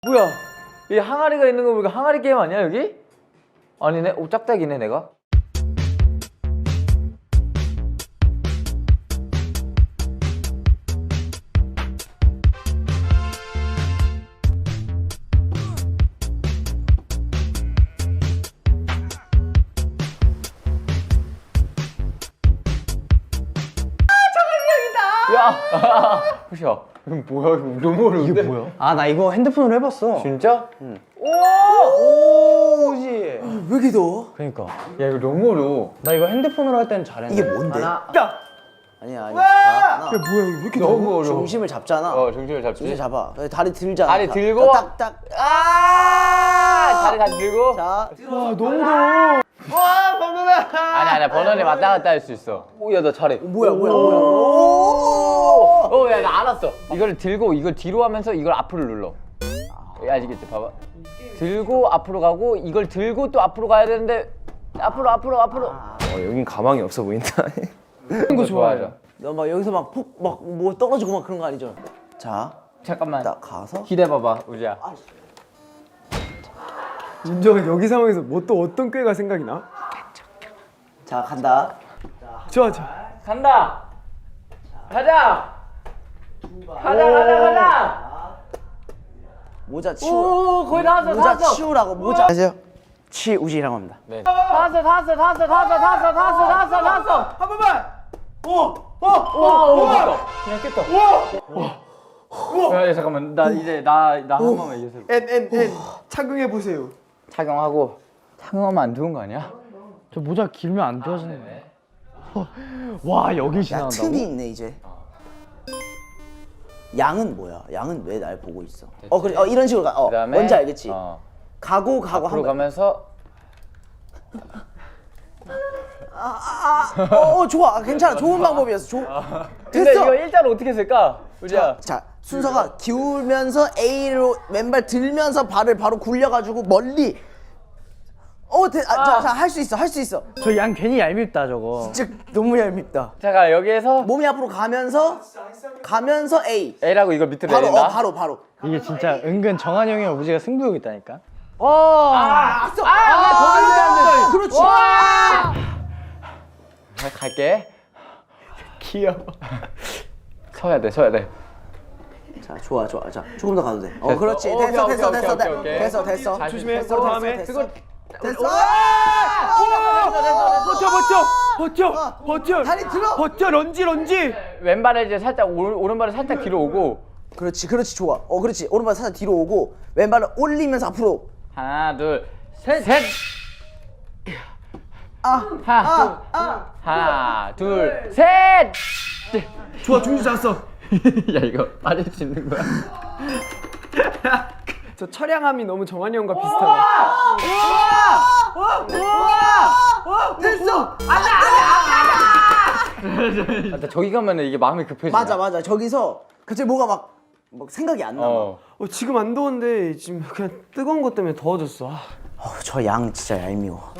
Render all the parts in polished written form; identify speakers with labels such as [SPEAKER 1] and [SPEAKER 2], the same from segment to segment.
[SPEAKER 1] 뭐야? 이 항아리가 있는 거 보니까 항아리 게임 아니야 여기? 아니네. 오 짝짝이네 내가. 야! 보셔. 이거 뭐야? 이거 너무 어려운데?
[SPEAKER 2] 이게 뭐야? 아, 나 이거 핸드폰으로 해봤어.
[SPEAKER 1] 진짜?
[SPEAKER 2] 응.
[SPEAKER 1] 오!
[SPEAKER 2] 오지.
[SPEAKER 3] 왜 이렇게 더워?
[SPEAKER 2] 그러니까.
[SPEAKER 1] 야 이거 너무 어려워.
[SPEAKER 2] 나 이거 핸드폰으로 할 때는 잘했는데.
[SPEAKER 3] 이게 뭔데?
[SPEAKER 1] 하나.
[SPEAKER 3] 아니야 아니야. 자, 하나.
[SPEAKER 2] 뭐야 이거 왜 이렇게
[SPEAKER 1] 너무 어려워.
[SPEAKER 3] 중심을 잡잖아.
[SPEAKER 1] 중심을 잡지.
[SPEAKER 3] 중심 잡아. 다리 들잖아.
[SPEAKER 1] 다리 들고.
[SPEAKER 3] 딱딱.
[SPEAKER 1] 다리 다시 들고.
[SPEAKER 3] 자.
[SPEAKER 2] 와 너무 더워.
[SPEAKER 1] 와 번호다. 아니야 번호는 왔다 갔다 할 수 있어. 오야 나 잘해.
[SPEAKER 3] 뭐야.
[SPEAKER 1] 오야 나 알았어. 이걸 들고 이걸 뒤로 하면서 이걸 앞으로 눌러. 아시겠지? 봐봐. 들고 앞으로 가고 이걸 들고 또 앞으로 가야 되는데 앞으로.
[SPEAKER 2] 여긴 가망이 없어 보인다.
[SPEAKER 1] 이런 거 좋아하죠.
[SPEAKER 3] 너 막 여기서 막 뭐 떨어지고 막 그런 거 아니죠? 자.
[SPEAKER 1] 잠깐만.
[SPEAKER 3] 딱 가서.
[SPEAKER 1] 기대봐봐 우지야.
[SPEAKER 4] 윤정은 여기 상황에서 뭐 또 어떤 꾀가 생각이 나?
[SPEAKER 3] 자 간다.
[SPEAKER 4] 좋아.
[SPEAKER 1] 간다. 가자. 가자.
[SPEAKER 3] 모자 치우.
[SPEAKER 1] 오 거의 다 왔어.
[SPEAKER 3] 모자 치우라고 모자. 안녕하세요. 치우지라고 합니다.
[SPEAKER 1] 네. 다 왔어.
[SPEAKER 4] 한 번만!
[SPEAKER 1] 와 깼다. 그냥 깼다. 야 잠깐만 나 이제 나 한 번만 이겨서
[SPEAKER 4] N 착용해 보세요.
[SPEAKER 1] 착용하고 착용하면 안 좋은 거 아니야?
[SPEAKER 2] 저 모자 길면 안 좋아지네. 와 여기
[SPEAKER 3] 야
[SPEAKER 2] 지나간다고?
[SPEAKER 3] 틈이 있네 이제. 양은 뭐야? 양은 왜 날 보고 있어? 그래. 이런 식으로 가.
[SPEAKER 1] 그다음에
[SPEAKER 3] 뭔지 알겠지?
[SPEAKER 1] 앞으로
[SPEAKER 3] 가고 한 번.
[SPEAKER 1] 가면서
[SPEAKER 3] 좋아. 괜찮아. 좋은 방법이었어.
[SPEAKER 1] 근데
[SPEAKER 3] 됐어.
[SPEAKER 1] 이거 일자로 어떻게 쓸까? 우지야.
[SPEAKER 3] 자, 순서가 기울면서 A로 왼발 들면서 발을 바로 굴려가지고 멀리. 자, 할 수 있어.
[SPEAKER 2] 저 양 괜히 얄밉다 저거.
[SPEAKER 3] 진짜 너무 얄밉다.
[SPEAKER 1] 잠깐 여기에서
[SPEAKER 3] 몸이 앞으로 가면서 A.
[SPEAKER 1] A라고 이걸 밑으로
[SPEAKER 3] 바로
[SPEAKER 1] 내린다.
[SPEAKER 3] 바로.
[SPEAKER 2] 이게 진짜 은근 정한이 형이랑 우지가 승부욕 있다니까.
[SPEAKER 3] 그렇지.
[SPEAKER 1] 갈게.
[SPEAKER 2] 귀여워.
[SPEAKER 1] 서야 돼.
[SPEAKER 3] 자, 좋아. 자, 조금 더 가도 돼.
[SPEAKER 1] 됐어.
[SPEAKER 3] 그렇지.
[SPEAKER 1] 오케이,
[SPEAKER 3] 됐어.
[SPEAKER 1] 오케이.
[SPEAKER 3] 됐어.
[SPEAKER 1] 잘
[SPEAKER 4] 조심해.
[SPEAKER 1] 됐어.
[SPEAKER 4] 다음에.
[SPEAKER 3] 됐어.
[SPEAKER 4] 버텨.
[SPEAKER 3] 다리 들어.
[SPEAKER 4] 버텨. 런지.
[SPEAKER 1] 왼발을 이제 살짝 오른발을 살짝 뒤로 오고
[SPEAKER 3] 그렇지. 좋아. 그렇지. 오른발 살짝 뒤로 오고 왼발을 올리면서 앞으로.
[SPEAKER 1] 하나 둘 셋. 하나 둘 셋.
[SPEAKER 4] 좋아, 중지 잡았어.
[SPEAKER 1] 야 이거 빠질 수 있는 거야?
[SPEAKER 4] 저 처량함이 너무 정한이 형과 비슷하다.
[SPEAKER 3] 됐어.
[SPEAKER 1] 나 저기 가면은 이게 마음이 급해져.
[SPEAKER 3] 맞아. 저기서 갑자기 뭐가 막 생각이 안 나.
[SPEAKER 4] 지금 안 더운데 지금 그냥 뜨거운 것 때문에 더워졌어.
[SPEAKER 3] 저 양 진짜 얄미워.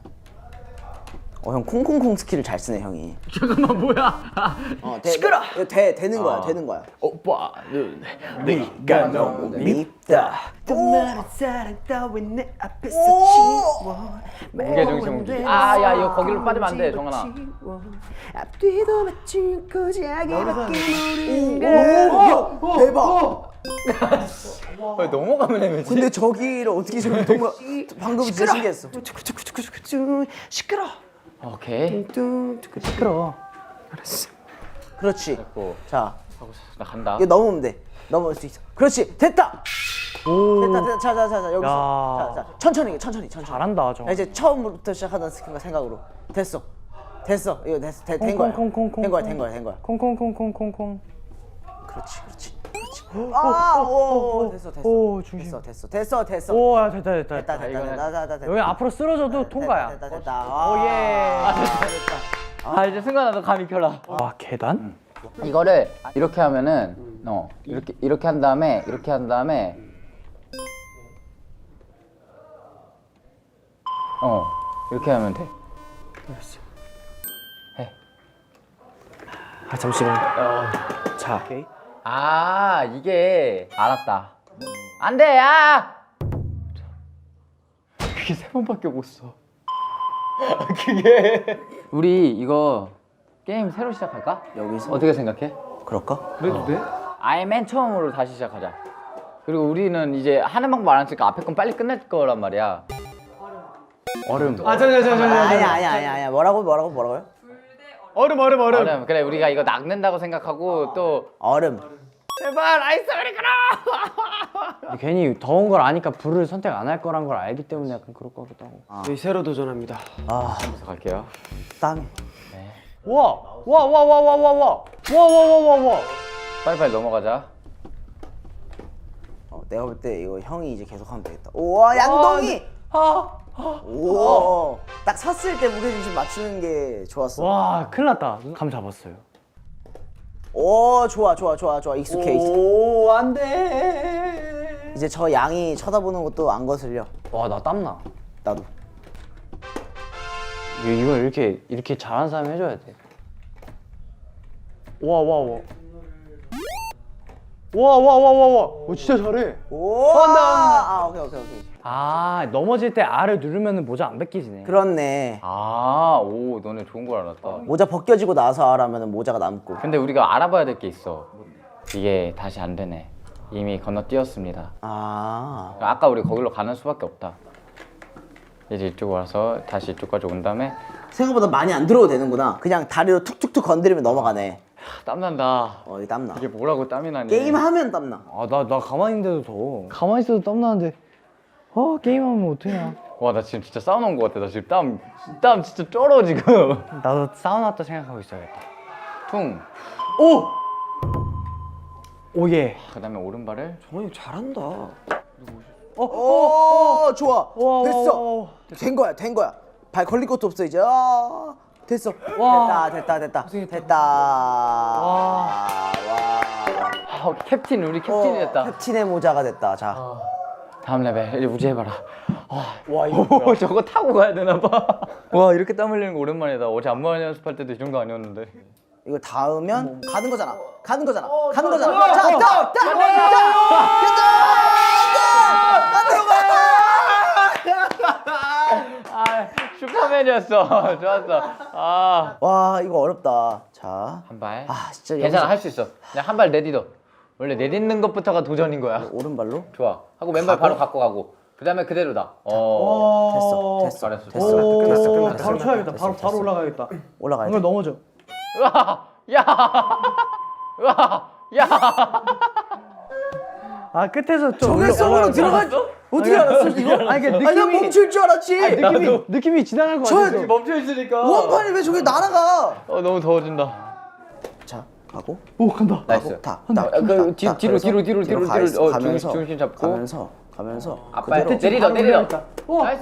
[SPEAKER 3] 형 콩콩콩 스킬을 잘 쓰네 형이.
[SPEAKER 1] 잠깐만 뭐야?
[SPEAKER 3] 시끄러. 되는 거야.
[SPEAKER 1] 오빠
[SPEAKER 3] 네가 너무 밉다. 그만한 사랑 따윈 내 앞에서 지워.
[SPEAKER 1] 무게중심. 야 이거 거기로 빠지면 안 돼, 정한아.
[SPEAKER 3] 앞뒤도 맞춘 고자기밖에 모르는 거. 대박.
[SPEAKER 1] 왜 넘어가면 애매지?
[SPEAKER 3] 근데 저기를 어떻게 저기 동가 방금 진짜 신기했어. 시끄러.
[SPEAKER 1] 오케이.
[SPEAKER 2] 시끄러.
[SPEAKER 3] 그렇지.
[SPEAKER 1] 됐고.
[SPEAKER 3] 자,
[SPEAKER 1] 나 간다.
[SPEAKER 3] 이거 넘으면 돼. 넘을 수 있어. 그렇지. 됐다. 됐다. 자, 여기서.
[SPEAKER 2] 야.
[SPEAKER 3] 자, 천천히.
[SPEAKER 2] 잘한다 저.
[SPEAKER 3] 자, 이제 처음부터 시작하던 스킬과 생각으로. 됐어. 이거 됐어. 된 거야.
[SPEAKER 2] 콩콩콩콩콩.
[SPEAKER 3] 된 거야.
[SPEAKER 2] 콩콩콩콩콩콩.
[SPEAKER 3] 그렇지. 됐어.
[SPEAKER 2] 오 중심.
[SPEAKER 3] 됐어.
[SPEAKER 2] 오 야, 됐다.
[SPEAKER 3] 됐다.
[SPEAKER 2] 여기 앞으로 쓰러져도 통과야.
[SPEAKER 3] 됐다.
[SPEAKER 1] 예. 이제 승관아 너 감이 켜라.
[SPEAKER 2] 와 계단?
[SPEAKER 1] 이거를 이렇게 하면은 이렇게 한 다음에 이렇게 하면 돼. 해.
[SPEAKER 2] 잠시만. 자.
[SPEAKER 1] 이게 알았다. 안 돼, 야! 그게 3번밖에 못 써. 그게. 우리 이거 게임 새로 시작할까?
[SPEAKER 3] 여기서
[SPEAKER 1] 어떻게 생각해?
[SPEAKER 3] 그럴까?
[SPEAKER 4] 그래도 돼?
[SPEAKER 1] 아예 맨 처음으로 다시 시작하자. 그리고 우리는 이제 하는 방법 알았으니까 앞에 건 빨리 끝낼 거란 말이야. 얼음.
[SPEAKER 3] 아니야. 뭐라고요?
[SPEAKER 4] 얼음.
[SPEAKER 1] 얼음. 그래, 우리가 이거 낚는다고 생각하고 또
[SPEAKER 3] 얼음.
[SPEAKER 1] 제발 아이스 아메리카노.
[SPEAKER 2] 괜히 더운 걸 아니까 불을 선택 안 할 거란 걸 알기 때문에 약간 그럴 것 같기도 하고.
[SPEAKER 4] 저희 새로 도전합니다.
[SPEAKER 3] 아,
[SPEAKER 1] 그래서 갈게요.
[SPEAKER 3] 땀이.
[SPEAKER 2] 와.
[SPEAKER 1] 빨리빨리 넘어가자.
[SPEAKER 3] 내가 볼 때 이거 형이 이제 계속 하면 되겠다. 우와, 양동이. 오, 딱 섰을 때 무게중심 맞추는 게 좋았어.
[SPEAKER 2] 와, 큰일 났다. 감 잡았어요.
[SPEAKER 3] 오, 좋아. 익숙해.
[SPEAKER 2] 오, 안 돼.
[SPEAKER 3] 이제 저 양이 쳐다보는 것도 안 거슬려.
[SPEAKER 2] 와, 나 땀나.
[SPEAKER 3] 나도.
[SPEAKER 2] 이걸 이렇게 잘하는 사람이 해줘야 돼. 와. 오, 진짜 잘해.
[SPEAKER 3] 오, 한다. 아, 오케이.
[SPEAKER 2] 아, 넘어질 때 R을 누르면 모자 안 벗기지네.
[SPEAKER 3] 그렇네.
[SPEAKER 1] 아, 오, 너네 좋은 걸 알았다.
[SPEAKER 3] 모자 벗겨지고 나서 하라면 모자가 남고.
[SPEAKER 1] 근데 우리가 알아봐야 될 게 있어. 이게 다시 안 되네. 이미 건너뛰었습니다.
[SPEAKER 3] 아,
[SPEAKER 1] 아까 우리 거기로 가는 수밖에 없다. 이제 이쪽으로 와서 다시 이쪽까지 온 다음에
[SPEAKER 3] 생각보다 많이 안 들어도 되는구나. 그냥 다리로 툭툭툭 건드리면 넘어가네.
[SPEAKER 1] 땀난다.
[SPEAKER 3] 이 땀나.
[SPEAKER 1] 이게 뭐라고 땀이 나니?
[SPEAKER 3] 게임하면 땀나.
[SPEAKER 2] 아, 나 가만히 있는데도 더워. 가만히 있어도 땀 나는데. 게임하면 어떡하냐.
[SPEAKER 1] 와, 나 지금 진짜 사우나 온 거 같아. 나 지금 땀 진짜 쩔어 지금.
[SPEAKER 2] 나도 사우나 왔다 생각하고 있어야겠다.
[SPEAKER 1] 퉁.
[SPEAKER 2] 오, 예.
[SPEAKER 1] 그다음에 오른발을
[SPEAKER 4] 정원이 잘한다.
[SPEAKER 3] 오, 좋아.
[SPEAKER 2] 와,
[SPEAKER 3] 됐어.
[SPEAKER 2] 와.
[SPEAKER 3] 된 거야. 발 걸릴 것도 없어 이제. 됐어.
[SPEAKER 2] 와.
[SPEAKER 3] 됐다.
[SPEAKER 2] 와.
[SPEAKER 1] 캡틴 우리 캡틴이 됐다.
[SPEAKER 3] 캡틴의 모자가 됐다. 자.
[SPEAKER 1] 다음 레벨 이제 우지 해봐라. 와 이거 저거 타고 가야 되나 봐. 와 이렇게 땀 흘리는 거 오랜만이다. 어제 안무 연습할 때도 이 정도 아니었는데.
[SPEAKER 3] 이거 닿으면 가는 거잖아. 가는 거잖아. 자,
[SPEAKER 1] 아 슈퍼맨이었어. 좋았어. 아.
[SPEAKER 3] 와, 이거 어렵다. 자.
[SPEAKER 1] 한 발.
[SPEAKER 3] 아, 진짜
[SPEAKER 1] 괜찮아
[SPEAKER 3] 여기서-
[SPEAKER 1] 할 수 있어. 그냥 한 발 내딛어. 원래 내딛는 것부터가 도전인 거야.
[SPEAKER 3] 오른발로?
[SPEAKER 1] 좋아. 하고 왼발 바로 갖고 가고. 그다음에 그대로다.
[SPEAKER 3] 됐어.
[SPEAKER 1] 잘했어.
[SPEAKER 4] 끝났어.
[SPEAKER 2] 바로 쳐야겠다. 바로 올라가야겠다.
[SPEAKER 3] 올라가야
[SPEAKER 2] 이걸
[SPEAKER 3] 돼.
[SPEAKER 2] 넘어져.
[SPEAKER 1] 으아! 야! 으아! 야!
[SPEAKER 2] 아, 끝에서 좀
[SPEAKER 3] 저게 속으로 들어갈 어떻게 알았어 이거?
[SPEAKER 2] 아니, 그
[SPEAKER 3] 아니, 난
[SPEAKER 2] 느낌이
[SPEAKER 3] 멈출 줄 알았지.
[SPEAKER 2] 느낌이 지나갈 것
[SPEAKER 3] 저-
[SPEAKER 2] 같아서.
[SPEAKER 1] 멈춰 있으니까.
[SPEAKER 3] 원판이 왜 저기 날아가?
[SPEAKER 1] 너무 더워진다.
[SPEAKER 3] 자, 가고.
[SPEAKER 2] 오, 간다.
[SPEAKER 1] 나이스. 뒤로
[SPEAKER 3] 가면서
[SPEAKER 1] 중심 잡고
[SPEAKER 3] 가면서
[SPEAKER 1] 앞발
[SPEAKER 3] 그대로.
[SPEAKER 1] 내리려. 나이스.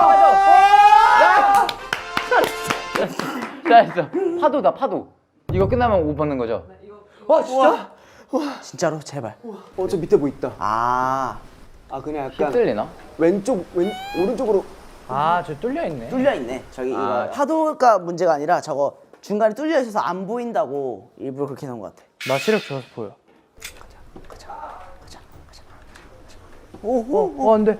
[SPEAKER 1] 맞아. 나이스. 파도다 파도. 이거 끝나면 옷 벗는 거죠?
[SPEAKER 4] 와 진짜?
[SPEAKER 3] 진짜로 제발.
[SPEAKER 4] 저 밑에 뭐 있다.
[SPEAKER 3] 아,
[SPEAKER 4] 그냥
[SPEAKER 1] 힙 들리나?
[SPEAKER 4] 오른쪽으로.
[SPEAKER 2] 아, 저 뚫려 있네.
[SPEAKER 3] 뚫려 있네. 저기
[SPEAKER 1] 아.
[SPEAKER 3] 이거 파도가 문제가 아니라 저거 중간에 뚫려 있어서 안 보인다고 일부러 그렇게 해놓은 것 같아.
[SPEAKER 2] 나 시력 좋아서 보여.
[SPEAKER 3] 가자.
[SPEAKER 2] 안 돼.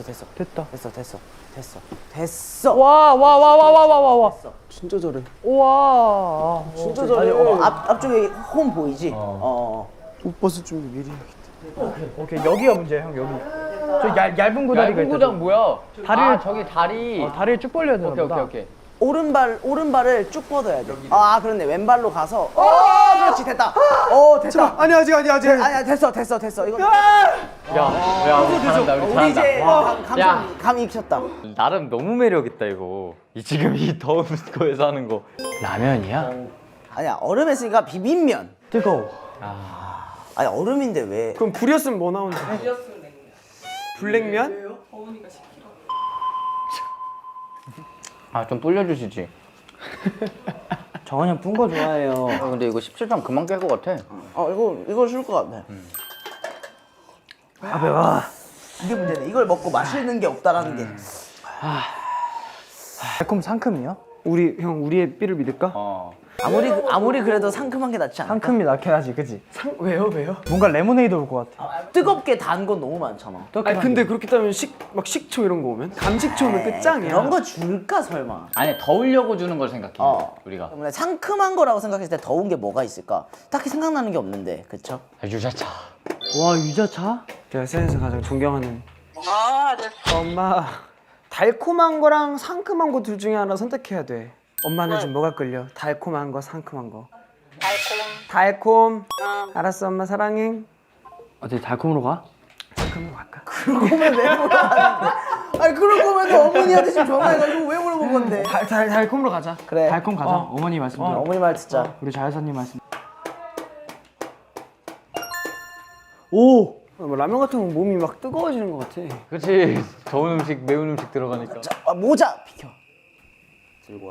[SPEAKER 3] 됐어.
[SPEAKER 2] 와.
[SPEAKER 4] 진짜 잘해.
[SPEAKER 2] 우와.
[SPEAKER 4] 진짜
[SPEAKER 3] 아니,
[SPEAKER 4] 잘해.
[SPEAKER 3] 앞쪽에 홈 보이지?
[SPEAKER 4] 옷 벗을 준비 미리 해야겠다.
[SPEAKER 2] 오케이, 여기가 문제야, 형, 여기. 저 얇은 고다리가
[SPEAKER 1] 얇은
[SPEAKER 2] 있다.
[SPEAKER 1] 구장 뭐야?
[SPEAKER 2] 다리를-
[SPEAKER 1] 저기 다리.
[SPEAKER 2] 다리를 쭉 벌려야 되나 보다.
[SPEAKER 1] 오케이.
[SPEAKER 3] 오른발을 쭉 뻗어야 돼. 그렇네. 왼발로 가서. 그렇지, 됐다. 됐다.
[SPEAKER 4] 아니 아직.
[SPEAKER 3] 아니야, 됐어. 이거
[SPEAKER 1] 야, 우리 잘한다.
[SPEAKER 3] 우리 이제
[SPEAKER 1] 야.
[SPEAKER 3] 감이 익혔다.
[SPEAKER 1] 나름 너무 매력 있다 이거. 지금 이 더운 거에서 하는 거.
[SPEAKER 2] 라면이야?
[SPEAKER 3] 아니야, 얼음 했으니까 비빔면.
[SPEAKER 2] 뜨거워.
[SPEAKER 3] 아니, 얼음인데 왜?
[SPEAKER 4] 그럼 불이었으면 뭐 나오는데? 불냉면?
[SPEAKER 1] 좀 불려주시지.
[SPEAKER 2] 정원이 형 뿐 거 좋아해요.
[SPEAKER 1] 근데 이거 17점 금방 깰 것 같아.
[SPEAKER 3] 이거 줄 것 같아.
[SPEAKER 2] 배워.
[SPEAKER 3] 이게 문제네. 이걸 먹고 마시는 게 없다라는 게.
[SPEAKER 2] 달콤 상큼이요?
[SPEAKER 4] 우리의 삐를 믿을까?
[SPEAKER 3] 아무리 그래도 상큼한 게 낫지 않아?
[SPEAKER 2] 상큼이 낫긴 하지, 그지?
[SPEAKER 4] 왜요?
[SPEAKER 2] 뭔가 레모네이드 올 것 같아.
[SPEAKER 3] 뜨겁게 단 건 너무 많잖아.
[SPEAKER 4] 아니 근데 그렇게 따면 막 식초 이런 거 오면 감식초는 끝장이야.
[SPEAKER 3] 그런 거 줄까 설마?
[SPEAKER 1] 아니 더우려고 주는 걸 생각해.
[SPEAKER 3] 어.
[SPEAKER 1] 우리가.
[SPEAKER 3] 때문에 상큼한 거라고 생각했을 때 더운 게 뭐가 있을까? 딱히 생각나는 게 없는데, 그쵸?
[SPEAKER 1] 유자차.
[SPEAKER 2] 와, 유자차?
[SPEAKER 4] 제가 세상에서 가장 존경하는 엄마. 달콤한 거랑 상큼한 거 둘 중에 하나 선택해야 돼. 엄마는 지금 뭐가 끌려? 달콤한 거, 상큼한 거. 달콤. 알았어, 엄마 사랑해.
[SPEAKER 2] 어디 달콤으로 가?
[SPEAKER 4] 상큼으로 갈까?
[SPEAKER 3] 그럴 거면 왜 물어봤는데? 아니, 그럴 거면 어머니한테 지금 전화해가지고 왜 물어본 건데?
[SPEAKER 4] 달콤으로 가자.
[SPEAKER 3] 그래.
[SPEAKER 2] 달콤 가자. 어머니 말씀 들어.
[SPEAKER 3] 어머니 말 듣자.
[SPEAKER 2] 우리 자회사님 말씀.
[SPEAKER 4] 오! 뭐 라면 같은 건 몸이 막 뜨거워지는 것 같아.
[SPEAKER 1] 그렇지. 더운 음식, 매운 음식 들어가니까.
[SPEAKER 3] 자, 모자 비켜. 들고 와.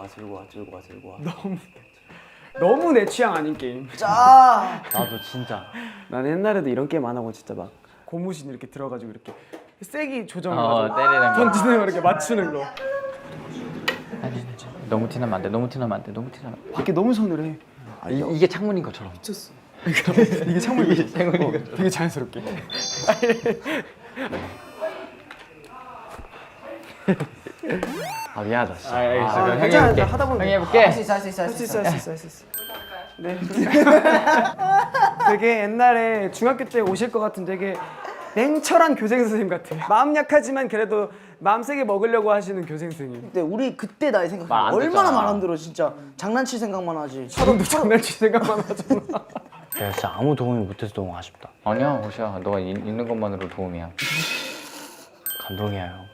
[SPEAKER 4] 너무 내 취향 아닌 게임.
[SPEAKER 3] 자,
[SPEAKER 2] 나도 진짜.
[SPEAKER 4] 나는 옛날에도 이런 게임 안 하고 진짜 막 고무신 이렇게 들어가지고 이렇게 세기 조정해가지고
[SPEAKER 1] 때리는 거.
[SPEAKER 4] 던지는 거 이렇게 맞추는 거.
[SPEAKER 1] 너무 티나면 안 돼. 너무 티나면 안 돼. 너무 티나면.
[SPEAKER 4] 밖에 너무 서늘해.
[SPEAKER 1] 이게 창문인 것처럼.
[SPEAKER 4] 미쳤어. 이게 창문이
[SPEAKER 1] 창문인 것처럼.
[SPEAKER 4] 되게 자연스럽게.
[SPEAKER 2] 아, 미안하다, 진짜.
[SPEAKER 1] 알겠어. 그럼 형이
[SPEAKER 4] 괜찮아.
[SPEAKER 1] 해볼게.
[SPEAKER 4] 하다 보면
[SPEAKER 1] 형이
[SPEAKER 4] 돼.
[SPEAKER 1] 해볼게.
[SPEAKER 3] 할 수 있어.
[SPEAKER 4] 네. 되게 옛날에 중학교 때 오실 것 같은 되게 냉철한 교생 선생님 같아. 마음 약하지만 그래도 마음 세게 먹으려고 하시는 교생 선생님.
[SPEAKER 3] 근데 우리 그때 나이
[SPEAKER 1] 말안
[SPEAKER 3] 생각하면 얼마나
[SPEAKER 1] 듣잖아.
[SPEAKER 3] 말 안 들어 진짜. 장난칠 생각만 하지.
[SPEAKER 4] 서로 장난칠 생각만 하잖아.
[SPEAKER 2] 내가 진짜 아무 도움이 못해서 너무 아쉽다.
[SPEAKER 1] 아니야, 호시야. 너가 있는 것만으로 도움이야.
[SPEAKER 2] 감동이야, 형.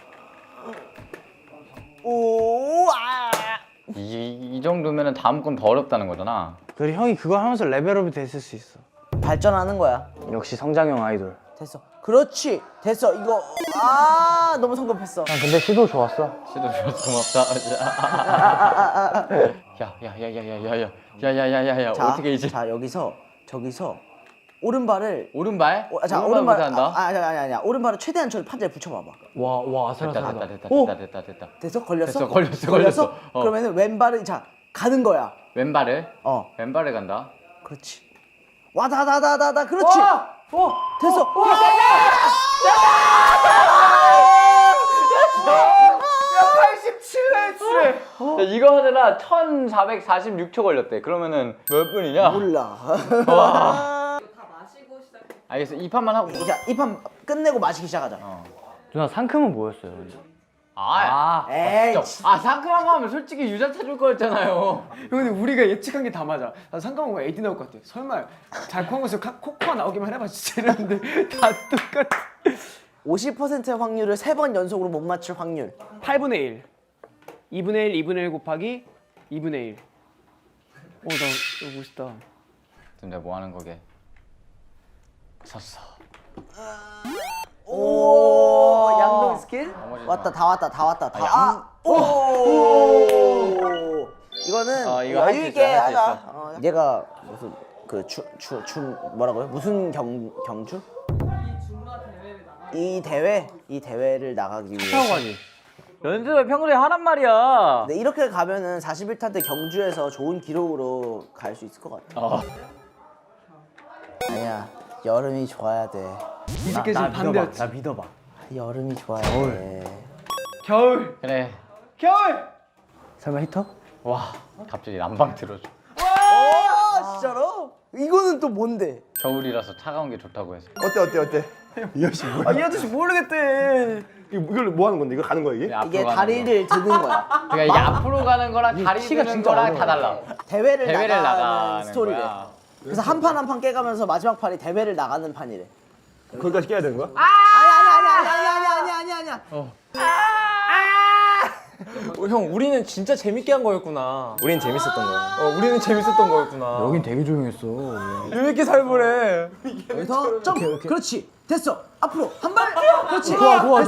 [SPEAKER 3] 오, 아.
[SPEAKER 1] 이 정도면은 다음 건 더 어렵다는 거잖아.
[SPEAKER 2] 그리고 형이 그거 하면서 레벨업이 됐을 수 있어.
[SPEAKER 3] 발전하는 거야.
[SPEAKER 2] 역시 성장형 아이돌.
[SPEAKER 3] 됐어. 그렇지. 됐어. 이거 아 너무 성급했어.
[SPEAKER 2] 형, 근데 시도 좋았어.
[SPEAKER 1] 시도 줘서 고맙다. 야야야야야야야야야야야야 어떻게 이제
[SPEAKER 3] 자 저기서 오른발을
[SPEAKER 1] 오른발?
[SPEAKER 3] 자
[SPEAKER 1] 오른발
[SPEAKER 3] 오른발
[SPEAKER 1] 못한다.
[SPEAKER 3] 아니야 오른발을 최대한 저 판자에 붙여봐봐.
[SPEAKER 2] 와,
[SPEAKER 1] 됐다.
[SPEAKER 3] 됐다. 됐어? 걸렸어?
[SPEAKER 1] 걸렸어.
[SPEAKER 3] 그러면은 왼발을 자 가는 거야.
[SPEAKER 1] 왼발을?
[SPEAKER 3] 어
[SPEAKER 1] 왼발을 간다.
[SPEAKER 3] 그렇지. 와다다다다다 그렇지. 됐어.
[SPEAKER 1] 야, 이거 하느라 1446초 걸렸대. 그러면은 몇 분이냐?
[SPEAKER 3] 몰라.
[SPEAKER 1] 와. 알겠어. 이 판만 하고.
[SPEAKER 3] 자 이 판 끝내고 마시기 시작하자.
[SPEAKER 2] 누나, 상큼은 뭐였어요?
[SPEAKER 3] 에이.
[SPEAKER 1] 상큼한 거 하면 솔직히 유자차 줄 거였잖아요.
[SPEAKER 4] 근데 우리가 예측한 게 다 맞아. 나 상관한 거 AD 나올 것 같아. 설마 달콤한 거에서 코코아 나오기만 해봐 진짜 이랬는데 다 똑같아.
[SPEAKER 3] 50%의 확률을 3번 연속으로 못 맞출 확률.
[SPEAKER 4] 8분의 1. 2분의 1, 2분의 1 곱하기 2분의 1. 나 이거 멋있다.
[SPEAKER 1] 지금 내가 뭐 하는 거게? 졌어.
[SPEAKER 3] 오, 양동 스킬? 왔다, 다 왔다. 오! 이거는
[SPEAKER 1] 이거 할수
[SPEAKER 3] 여유
[SPEAKER 1] 있어,
[SPEAKER 3] 있게
[SPEAKER 1] 할수
[SPEAKER 3] 하자.
[SPEAKER 1] 있어.
[SPEAKER 3] 얘가 무슨 뭐라고요? 무슨 경주? 이 대회를 나가기 위해서.
[SPEAKER 1] 연습을 평소에 하란 말이야.
[SPEAKER 3] 근데 이렇게 가면은 41타 때 경주에서 좋은 기록으로 갈 수 있을 것 같아. 아니야, 여름이 좋아야 돼.
[SPEAKER 4] 이렇게 지금 반대였지.
[SPEAKER 2] 나 믿어봐.
[SPEAKER 3] 여름이 좋아야 돼.
[SPEAKER 4] 겨울.
[SPEAKER 1] 그래.
[SPEAKER 4] 겨울.
[SPEAKER 2] 설마 히터?
[SPEAKER 1] 와, 갑자기 난방 들어줘.
[SPEAKER 3] 아, 진짜로? 이거는 또 뭔데?
[SPEAKER 1] 겨울이라서 차가운 게 좋다고 해서.
[SPEAKER 5] 어때? 이 아저씨 뭐야?
[SPEAKER 4] 이 아저씨 모르겠대.
[SPEAKER 5] 이걸 뭐 하는 건데? 이거 가는 거야 이게?
[SPEAKER 1] 앞으로
[SPEAKER 3] 이게
[SPEAKER 1] 가는
[SPEAKER 3] 다리를 드는 거야.
[SPEAKER 1] 거. 그러니까 이게 앞으로 가는 거랑 다리
[SPEAKER 2] 키가
[SPEAKER 1] 드는
[SPEAKER 2] 진짜
[SPEAKER 1] 거랑 다
[SPEAKER 2] 어려워.
[SPEAKER 1] 달라.
[SPEAKER 3] 대회를
[SPEAKER 1] 대회를
[SPEAKER 3] 나가는
[SPEAKER 1] 나가는
[SPEAKER 3] 스토리래.
[SPEAKER 1] 거야.
[SPEAKER 3] 그래서 한 판 한 판 깨가면서 마지막 판이 대회를 나가는 판이래.
[SPEAKER 5] 거기까지 깨야 되는 거야?
[SPEAKER 3] 아니야.
[SPEAKER 6] 형, 우리는 진짜 재밌게 한 거였구나.
[SPEAKER 5] 우린 재밌었던 거야.
[SPEAKER 6] 우리는 재밌었던 거였구나.
[SPEAKER 2] 여긴 되게 조용했어.
[SPEAKER 6] 재밌게 살벌해.
[SPEAKER 3] 여기서 점. 그렇지. 됐어. 앞으로 한 발. 그렇지.
[SPEAKER 2] 좋아.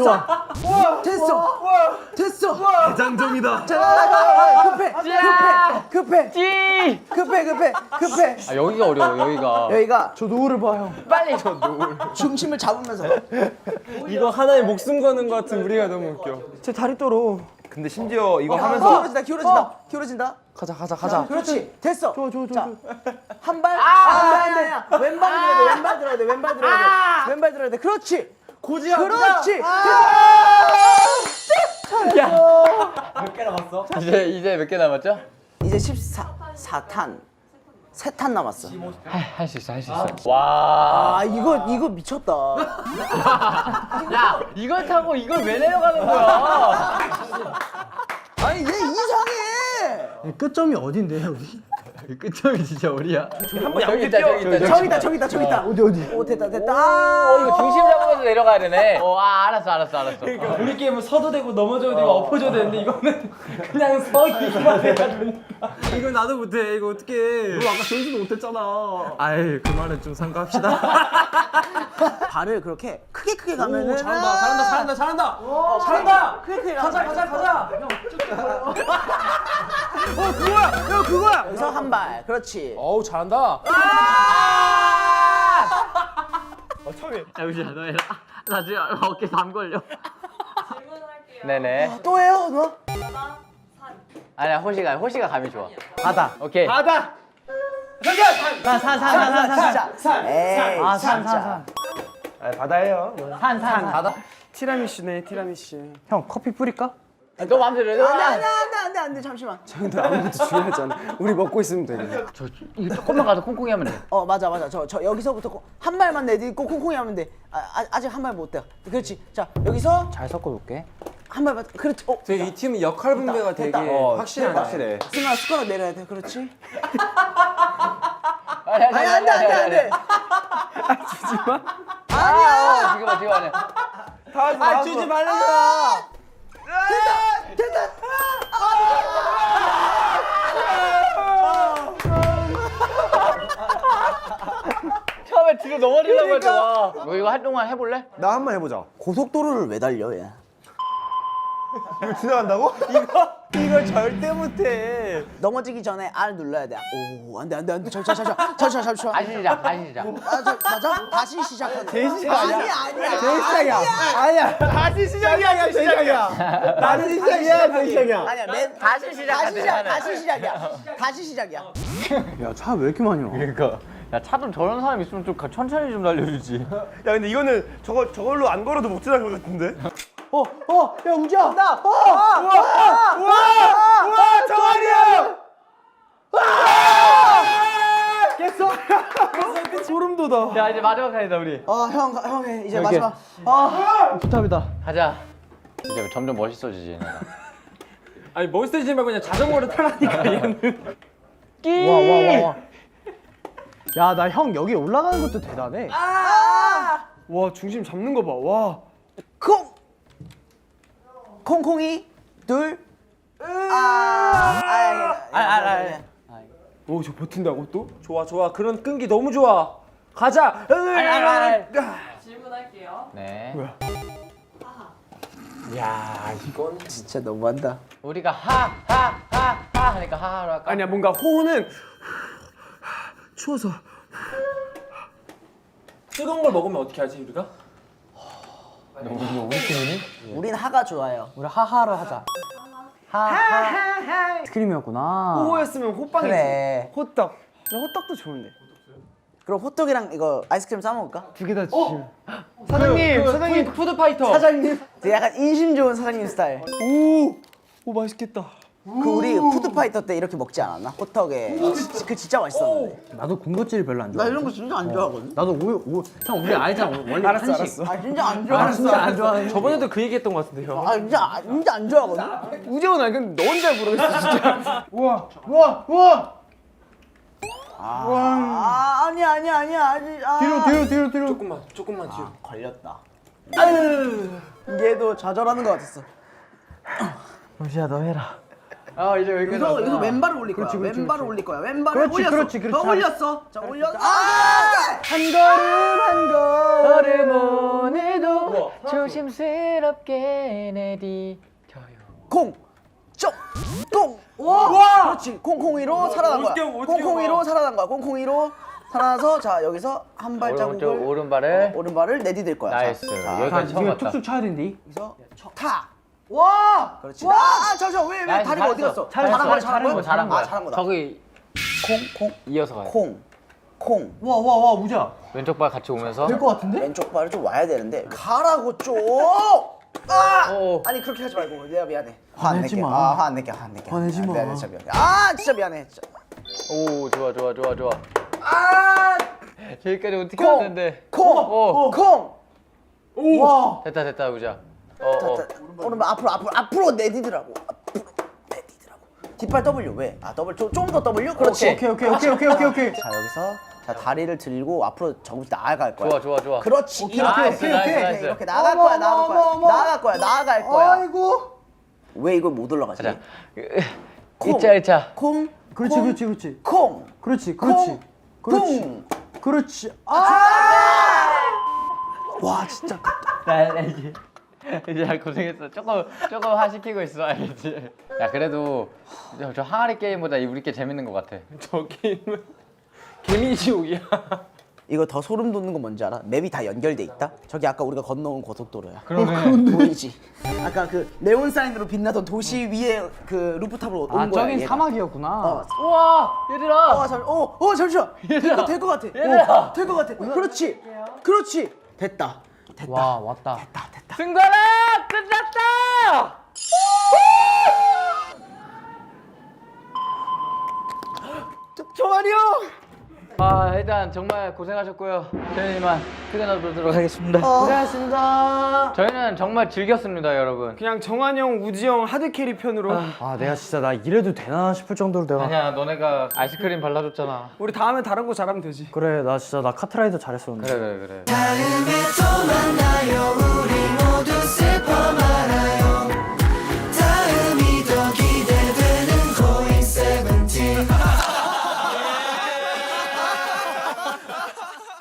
[SPEAKER 3] 됐어.
[SPEAKER 5] 대장정이다.
[SPEAKER 3] 자, 급해.
[SPEAKER 1] 찌!
[SPEAKER 3] 급해.
[SPEAKER 1] 아, 여기가 어려워. 여기가.
[SPEAKER 3] 여기가
[SPEAKER 2] 저 노을을 봐, 형.
[SPEAKER 1] 빨리 저 노을.
[SPEAKER 3] 중심을 잡으면서.
[SPEAKER 6] 이거 하나의 목숨 거는 거 같은 우리가 너무 웃겨.
[SPEAKER 4] 제 다리 떨어.
[SPEAKER 5] 근데 심지어 이거 하면서
[SPEAKER 3] 기울어진다 기울어진다 기울어진다.
[SPEAKER 4] 가자.
[SPEAKER 3] 그렇지 됐어. 자, 한 발. 아니야. 왼발 들어야 돼. 왼발 들어야 돼. 왼발 들어야 돼. 왼발 들어야 돼. 그렇지. 고지야. 그렇지.
[SPEAKER 1] 이제 몇 개 남았죠?
[SPEAKER 3] 이제 14탄. 3탄 남았어.
[SPEAKER 1] 할 수 있어 할 수 있어. 와.
[SPEAKER 3] 아 이거 미쳤다.
[SPEAKER 1] 야 이걸 타고 이걸 왜 내려가는 거야?
[SPEAKER 3] 아니 얘 이상해.
[SPEAKER 2] 끝점이 어딘데 여기?
[SPEAKER 1] 끝점이 진짜 어디야?
[SPEAKER 5] 한번
[SPEAKER 1] 저기 있다 저기 있다.
[SPEAKER 3] 저기 있다. 어디? 오 됐다.
[SPEAKER 1] 이거 중심 잡으면서 내려가야 되네. 알았어.
[SPEAKER 6] 우리 게임은 서도 되고 넘어져도 되고 엎어져도 되는데 이거는 그냥 서 있기만 해야 되니까. 이거 나도 못해. 이거 어떡해.
[SPEAKER 5] 너 아까 전수도 못했잖아.
[SPEAKER 6] 아이 그 말은 좀 삼가합시다.
[SPEAKER 3] 발을 그렇게 크게 가면은
[SPEAKER 6] 잘한다.
[SPEAKER 3] 크게
[SPEAKER 6] 가자.
[SPEAKER 3] 그거야. 여기서 한 발. 그렇지.
[SPEAKER 6] 어우 잘한다.
[SPEAKER 5] 처음에
[SPEAKER 1] 잠시만 너 해라. 나 지금 어깨 담 걸려. 네네.
[SPEAKER 3] 또 해요 너?
[SPEAKER 1] 아니야 호시가 감이 좋아.
[SPEAKER 2] 바다.
[SPEAKER 1] 오케이.
[SPEAKER 5] 바다.
[SPEAKER 2] 산.
[SPEAKER 3] 에이
[SPEAKER 2] 산.
[SPEAKER 5] 아 바다예요.
[SPEAKER 2] 산. 바다.
[SPEAKER 4] 티라미슈네 티라미슈.
[SPEAKER 2] 형 커피 뿌릴까?
[SPEAKER 1] 너 마음대로 해.
[SPEAKER 3] 안돼 잠시만.
[SPEAKER 4] 아무것도 중요하지 않아. 우리 먹고 있으면 돼.
[SPEAKER 1] 저 이거 조금만 가서 콩콩이 하면 돼.
[SPEAKER 3] 맞아 저 여기서부터 한 발만 내딛고 콩콩이 하면 돼. 아직 한 발 못 돼. 그렇지. 자 여기서
[SPEAKER 2] 잘 섞어놓게.
[SPEAKER 3] 한 발만. 그렇지.
[SPEAKER 6] 되게 이 팀은 역할 분배가 되게
[SPEAKER 3] 됐다.
[SPEAKER 6] 확실하네.
[SPEAKER 5] 확실해.
[SPEAKER 3] 승아 숟가락 내려야 돼. 그렇지.
[SPEAKER 1] 아니
[SPEAKER 3] 안돼.
[SPEAKER 1] 주지 마. 아니야. 지금 아니야.
[SPEAKER 5] 다
[SPEAKER 6] 주지 말는 거야.
[SPEAKER 1] 처음에 뒤로 넘어지려고 했잖아. 너 이거 활동만 해볼래?
[SPEAKER 5] 나 한 번 해보자.
[SPEAKER 3] 고속도로를 왜 달려 얘?
[SPEAKER 5] 이거 지나간다고?
[SPEAKER 4] 이걸 절대 못해.
[SPEAKER 3] 넘어지기 전에 R 눌러야 돼. 오 안돼. 잠시만.
[SPEAKER 1] 다시 시작.
[SPEAKER 3] 맞아? 다시 시작하네.
[SPEAKER 4] 제일 시작 아니야.
[SPEAKER 3] 아니야.
[SPEAKER 4] 제일 시작이야. 아니야.
[SPEAKER 5] 다시 시작이야. 제일 시작이야.
[SPEAKER 4] 다시 시작이야. 제일 시작이야.
[SPEAKER 3] 아니야.
[SPEAKER 1] 다시 시작하네.
[SPEAKER 3] 다시 시작이야.
[SPEAKER 2] 야 차 왜 이렇게 많이 와?
[SPEAKER 1] 그러니까 야 차 좀 저런 사람 있으면 좀 천천히 좀 달려주지.
[SPEAKER 5] 야 근데 이거는 저걸로 안 걸어도 못 지나갈 것 같은데.
[SPEAKER 3] 야 우지야.
[SPEAKER 5] 우와 정한이 형.
[SPEAKER 4] 소름 돋아.
[SPEAKER 1] 야 이제 마지막 칸이다 우리.
[SPEAKER 3] 형 해. 이제 마지막.
[SPEAKER 2] 부탁이다.
[SPEAKER 1] 가자. 이제 점점 멋있어지지. 내가.
[SPEAKER 6] 아니 멋있어지지 말고 그냥 자전거를 타라니까 얘는.
[SPEAKER 2] 와. 야 나 형 여기 올라가는 것도 대단해.
[SPEAKER 4] 와 중심 잡는 거 봐. 와.
[SPEAKER 3] 콩콩이 둘.
[SPEAKER 4] 오 저 버틴다고 또?
[SPEAKER 6] 좋아. 그런 끈기 너무 좋아. 가자.
[SPEAKER 7] 질문할게요.
[SPEAKER 1] 네.
[SPEAKER 6] 야 이건
[SPEAKER 3] 진짜 너무한다.
[SPEAKER 1] 우리가 하하하하 하니까 하하로 할까?
[SPEAKER 4] 아니야 뭔가 호흡은 추워서.
[SPEAKER 6] 뜨거운 걸 먹으면 어떻게 하지 우리가?
[SPEAKER 3] 우린 하가 좋아요.
[SPEAKER 2] 우리 하하를 하자. 하하. 스크림이었구나.
[SPEAKER 4] 호였으면 호빵이지.
[SPEAKER 3] 그래.
[SPEAKER 4] 호떡. 나 호떡도 좋은데.
[SPEAKER 3] 그럼 호떡이랑 이거 아이스크림 싸 먹을까?
[SPEAKER 4] 두 개 다 주시면. 사장님.
[SPEAKER 6] 푸드 파이터.
[SPEAKER 4] 사장님.
[SPEAKER 3] 되게 약간 인심 좋은 사장님 스타일.
[SPEAKER 4] 오 맛있겠다.
[SPEAKER 3] 그 우리 푸드파이터 때 이렇게 먹지 않았나? 호떡에. 그 진짜 맛있었는데.
[SPEAKER 2] 나도 군것질 별로 안 좋아.
[SPEAKER 3] 나 이런 거 진짜 안 좋아하거든.
[SPEAKER 2] 나도 형 우리 알잖아. 원래 한식.
[SPEAKER 3] 아 진짜 안 좋아하는
[SPEAKER 2] 진짜 안 좋아하는.
[SPEAKER 6] 저번에도 그 얘기했던 것 같은데요.
[SPEAKER 3] 아 진짜 안 좋아하거든.
[SPEAKER 4] 우재원 아니 근데 너 혼자 모르겠어 진짜. 우와.
[SPEAKER 3] 아니야 아직.
[SPEAKER 2] 뒤로.
[SPEAKER 6] 조금만 뒤로.
[SPEAKER 3] 걸렸다. 얘도 좌절하는 것 같았어.
[SPEAKER 2] 루시야 너 해라.
[SPEAKER 1] 이제 여기까지
[SPEAKER 3] 이거
[SPEAKER 1] 왔구나.
[SPEAKER 3] 왼발을 올릴 거야. 왼발을 올릴 거야. 왼발을
[SPEAKER 2] 그렇지,
[SPEAKER 3] 올렸어.
[SPEAKER 2] 그렇지.
[SPEAKER 3] 더 올렸어. 자 올렸어.
[SPEAKER 2] 한 걸음
[SPEAKER 1] 오늘도 조심스럽게 내디뎌요.
[SPEAKER 3] 콩. 와. 그렇지. 콩콩이로 살아난 거야. 콩콩이로 살아난 거야. 콩콩이로 살아나서 자 여기서 한 발자국을
[SPEAKER 1] 오른발을
[SPEAKER 3] 오른발을 내디딜 거야.
[SPEAKER 1] 나이스.
[SPEAKER 3] 자,
[SPEAKER 1] 여기까지 처음
[SPEAKER 2] 이거
[SPEAKER 1] 봤다.
[SPEAKER 2] 툭툭 쳐야 된디.
[SPEAKER 3] 여기서 타. 와! 그렇지. 잠시만. 왜
[SPEAKER 1] 나이스,
[SPEAKER 3] 다리가 어디 갔어?
[SPEAKER 1] 잘했어.
[SPEAKER 3] 잘한 거야,
[SPEAKER 1] 잘한 거야.
[SPEAKER 3] 아, 잘한 거다.
[SPEAKER 1] 저기
[SPEAKER 3] 콩,
[SPEAKER 1] 이어서 가요.
[SPEAKER 3] 콩.
[SPEAKER 6] 와 우자.
[SPEAKER 1] 왼쪽 발 같이 오면서.
[SPEAKER 6] 될 것 같은데?
[SPEAKER 3] 왼쪽 발을 좀 와야 되는데 가라고 좀. 아니 그렇게 하지 말고 내가 미안해. 화 안 낼게. 화 안 낼게.
[SPEAKER 2] 화내지 마.
[SPEAKER 3] 미안해, 진짜 미안해. 진짜 미안해. 진짜.
[SPEAKER 1] 오 좋아. 저기까지 어떻게
[SPEAKER 3] 콩!
[SPEAKER 1] 왔는데?
[SPEAKER 3] 콩.
[SPEAKER 6] 와.
[SPEAKER 1] 됐다 우자.
[SPEAKER 3] 오늘 앞으로 내디더라고. 뒷발 W 왜? W 좀 더 W. 그렇지.
[SPEAKER 6] 오케이.
[SPEAKER 3] 자 여기서 자 다리를 들고 앞으로 조금씩 나아갈 거야.
[SPEAKER 1] 좋아.
[SPEAKER 3] 그렇지.
[SPEAKER 1] 나이스.
[SPEAKER 3] 이렇게 나갈 거야.
[SPEAKER 6] 아이고.
[SPEAKER 3] 왜 이걸 못 올라가지?
[SPEAKER 1] 자,
[SPEAKER 3] 콩.
[SPEAKER 1] 1차.
[SPEAKER 3] 콩.
[SPEAKER 6] 그렇지.
[SPEAKER 3] 콩.
[SPEAKER 6] 그렇지.
[SPEAKER 3] 콩.
[SPEAKER 6] 그렇지.
[SPEAKER 3] 와 진짜.
[SPEAKER 1] 이제 고생했어. 조금 화 시키고 있어, 알겠지? 야 그래도 저 항아리 게임보다 우리 게 재밌는 것 같아.
[SPEAKER 6] 저 게임은 개미지옥이야.
[SPEAKER 3] 이거 더 소름 돋는 거 뭔지 알아? 맵이 다 연결돼 있다? 저기 아까 우리가 건너온 고속도로야.
[SPEAKER 1] 그러네.
[SPEAKER 3] 보이지? 아까 그 네온 사인으로 빛나던 도시 위에 그 루프탑으로 온 거야.
[SPEAKER 2] 저긴
[SPEAKER 3] 얘가.
[SPEAKER 2] 사막이었구나.
[SPEAKER 1] 우와 얘들아.
[SPEAKER 3] 잠시만. 이거 될 것 같아. 될 것 같아. 그렇지. 됐다.
[SPEAKER 2] 와 왔다.
[SPEAKER 1] 승관아 끝났다.
[SPEAKER 3] 종환이 형.
[SPEAKER 1] 일단 정말 고생하셨고요. 저희는 이만 퇴근하도록 하겠습니다.
[SPEAKER 2] 고생하셨습니다.
[SPEAKER 1] 저희는 정말 즐겼습니다, 여러분.
[SPEAKER 4] 그냥 정한 형, 우지 형 하드캐리 편으로
[SPEAKER 2] 아 내가 진짜 나 이래도 되나 싶을 정도로 내가.
[SPEAKER 1] 아니야, 너네가 아이스크림 발라줬잖아.
[SPEAKER 4] 우리 다음에 다른 거 잘하면 되지.
[SPEAKER 2] 그래 나 진짜 나 카트라이더 잘했었는데.
[SPEAKER 1] 그래.
[SPEAKER 3] 다음에 또 만나요.